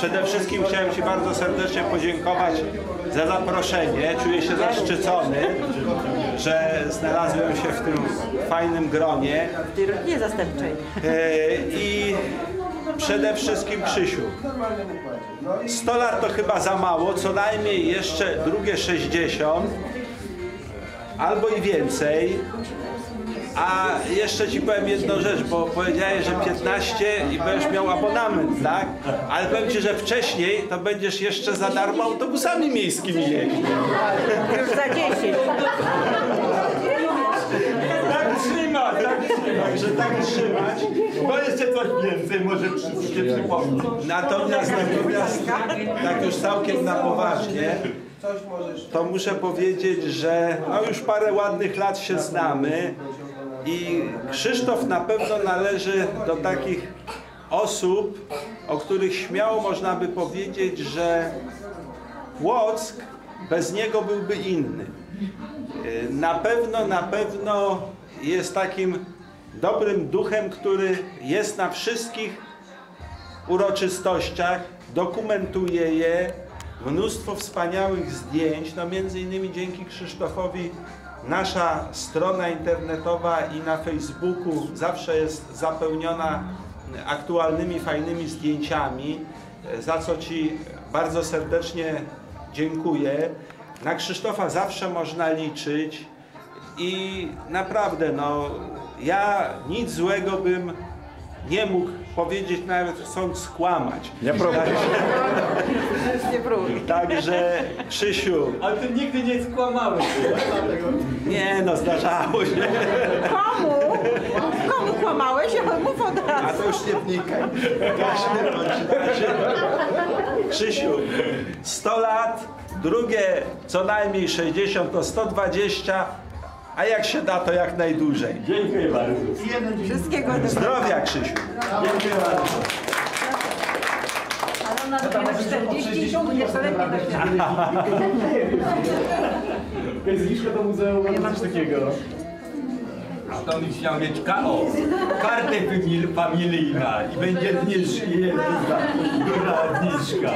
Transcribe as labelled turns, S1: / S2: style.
S1: Przede wszystkim chciałem Ci bardzo serdecznie podziękować za zaproszenie. Czuję się zaszczycony, że znalazłem się w tym fajnym gronie.
S2: W tej rodzinie zastępczej.
S1: I przede wszystkim Krzysiu. 100 lat to chyba za mało, co najmniej jeszcze drugie 60 albo i więcej. A jeszcze Ci powiem jedną rzecz, bo powiedziałeś, że 15 i będziesz miał abonament, tak? Ale powiem Ci, że wcześniej to będziesz jeszcze za darmo autobusami miejskimi jeździł.
S2: Już za 10.
S3: Tak trzymać, tak trzymać.
S1: Także tak trzymać.
S3: Bo jeszcze coś więcej może się przypomnieć.
S1: Natomiast tak już całkiem na poważnie, to muszę powiedzieć, że no już parę ładnych lat się znamy i Krzysztof na pewno należy do takich osób, o których śmiało można by powiedzieć, że Płock bez niego byłby inny. Na pewno jest takim dobrym duchem, który jest na wszystkich uroczystościach, dokumentuje je, mnóstwo wspaniałych zdjęć, no między innymi dzięki Krzysztofowi nasza strona internetowa i na Facebooku zawsze jest zapełniona aktualnymi, fajnymi zdjęciami, za co Ci bardzo serdecznie dziękuję. Na Krzysztofa zawsze można liczyć i naprawdę, no, ja nic złego bym nie mógł powiedzieć, nawet chcąc skłamać.
S3: Nie próbuj.
S2: Nie próbuj.
S1: Także Krzysiu,
S3: Ale ty nigdy nie skłamałeś.
S1: nie no, zdarzało się.
S2: Komu? Komu kłamałeś? Mów od
S1: A
S2: razu.
S1: to już nie wnikaj. Każdy bądź razie. Krzysiu, 100 lat, drugie co najmniej 60 to 120, a jak się da, to jak najdłużej.
S3: Dziękuję bardzo.
S2: Wszystkiego dobrego.
S1: Zdrowia, Krzysiu.
S3: Dziękuję bardzo.
S2: Ale ona dopiero 40 i jeszcze lepiej
S3: Jest zniżka do muzeum, mam coś takiego. A to byś miał mieć kartę familijna i będzie zniżka, duża zniżka.